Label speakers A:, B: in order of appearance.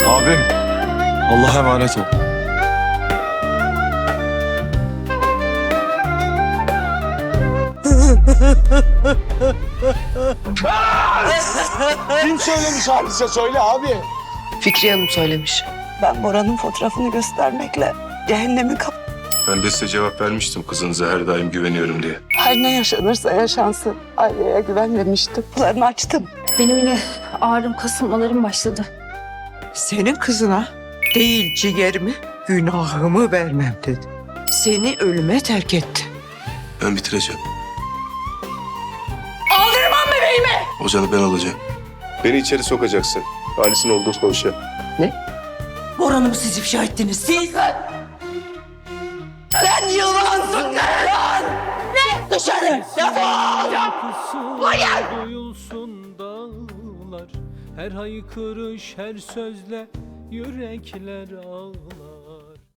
A: Abim, Allah'a emanet ol.
B: Kim söylemiş hadise söyle abi.
C: Fikriye Hanım söylemiş.
D: Ben Bora'nın fotoğrafını göstermekle cehennemi
E: Ben de size cevap vermiştim kızınıza her daim güveniyorum diye.
D: her ne yaşanırsa yaşansın. Aileye güvenmemiştim. Kapılarını açtım.
F: Benim yine ağrım, kasılmalarım başladı.
C: Senin kızına değil ciğerimi, günahımı vermem dedi. Seni ölüme terk etti.
E: Ben bitireceğim. Aldırmam bebeğimi! O canı ben alacağım. Beni içeri sokacaksın. Halis'in olduğu konuşa.
C: Boran'ı mı siz ifşa ettiniz? Siz! Sen yılansın lan! Ne? Dışarı! Defol!
G: Duyulsun dağlar, her haykırış, her sözle yürekler ağlar.